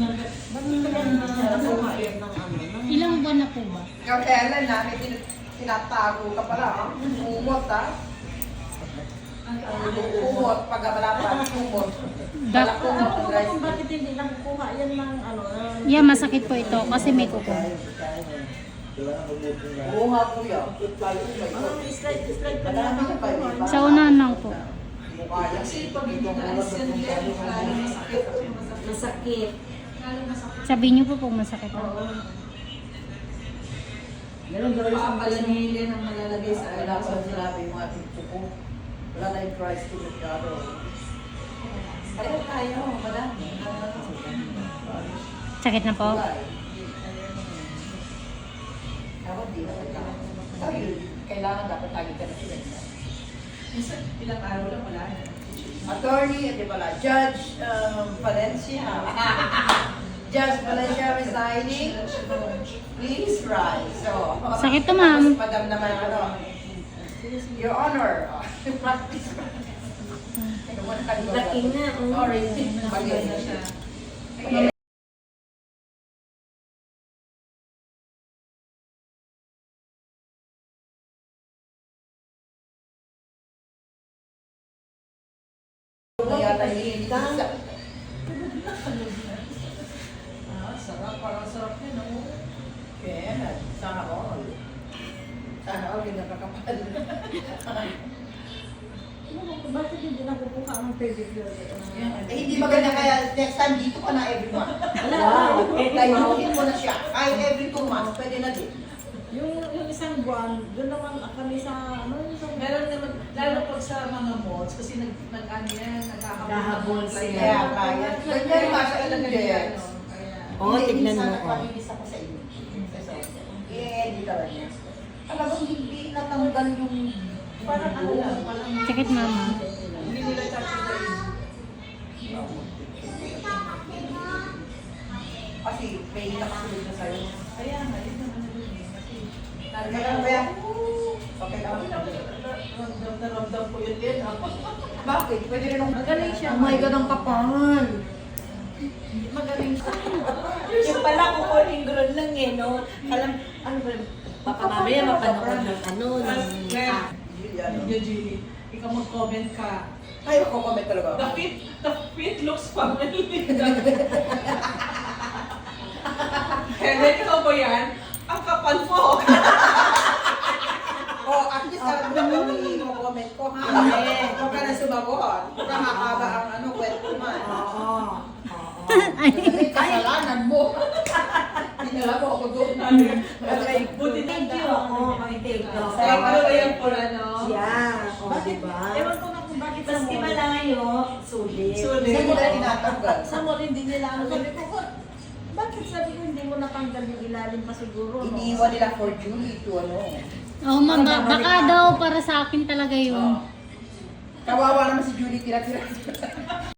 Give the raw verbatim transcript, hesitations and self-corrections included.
Ilang buwan na po ba? Kailan namin tin- tinatago ka pala. Umot ha. Umot. Pag wala pa, umot. Wala Dak- umot. Kung bakit hindi lang kuha yan ng ano. ng- Yeah, masakit po ito kasi may kuko. Oo nga kuya. Ang slide, slide pa lang ang kuha. Sa unahan lang po. Mukha yan. Kasi pag hindi na alis yan, lalo masakit. Masakit. Sabi niyo po kung masakit ako. Oo. Ganun gawin sa palanili ang malalagay sa Wala alaw. pa sinabi yung ating puko. Wala na yung Christ to the shadow. Kaya tayo, madami. Sakit na po? Wala eh. Dapat di na kailangan. Sabi, kailangan dapat lagi ka na sila. Minsan, ilang araw lang wala na. Attorney, di pala, Judge um, Valencia. Judge Valencia resigning. Please rise. So, Sakit to, ma'am. Madam naman, ano, Your Honor, practice. Laki nga, oh. Sorry. Nakagay na siya. Yata yung isa. Ah, sarap. Parang sarap yun, oh. Kaya, sana all. Sana all, hindi nakakapal. Bakit hindi na kukuha ang pedicure? Eh, hindi maganda kaya next time dito ka na every month. Wow. Eh, tayuhin mo na siya. Ay, every two months, pwede na din. Yung, yung isang buwan, doon naman kami sa, ano yung isang... Meron naman, lalo pag sa mga malls, kasi nag, nag ano yan, naghahabol. Naghahabol sila. Kaya, kaya. Ganyan nga sa talaga Indians. yan, no? Kaya, Oo, tignan mo, oh. Nagpakinis ako sa inyo. Eh, hindi ka rin. Talagang hindi natanggal yung... parang ano lang, parang... Sakit, mama. Hindi nila tatagalin. Kasi may nakasunod na sa'yo. Kaya nga, yun naman na yun eh. Kasi, Kaya, kaya, okay lang. ramdam na ramdam ko yun din. Bakit? Pwede rin akong... Magaling siya. Oh my God, ang kapal. Magaling siya. Yung pala kukunin gulon lang eh, no? Alam, ano ba, baka mamaya mapanood ng ano, ng... Kaya, Julian. Eugenie, ikaw mag-comment ka. Ay, ako comment talaga. The fit, the fit looks family. Kaya ikaw ba yan? Ang kapal mo. Oh, at least alam mo naman yung comment ko, ha? Huwag ka na sumagot. Huwag ka makaba ang ano, kwento man. Oo. Kasi kasalanan mo. Dinala mo ako doon. Buti Thank you. Oo, may thank you. Sa ikaw ba yan po ano? Yeah. O, Bakit? diba? Ewan ko na kung bakit sa Maski mall. malayo, sulit. Sulit. Hindi nila tinatanggal. Sa mall, hindi nila ano. Sabi ko, "What? Bakit sabi ko hindi mo natanggal yung ilalim pa siguro? no?" Iniiwan nila for Julie to ano. Oh, ma'am, ba- baka daw para sa akin talaga yun. Kawawa naman si Julie tira-tira.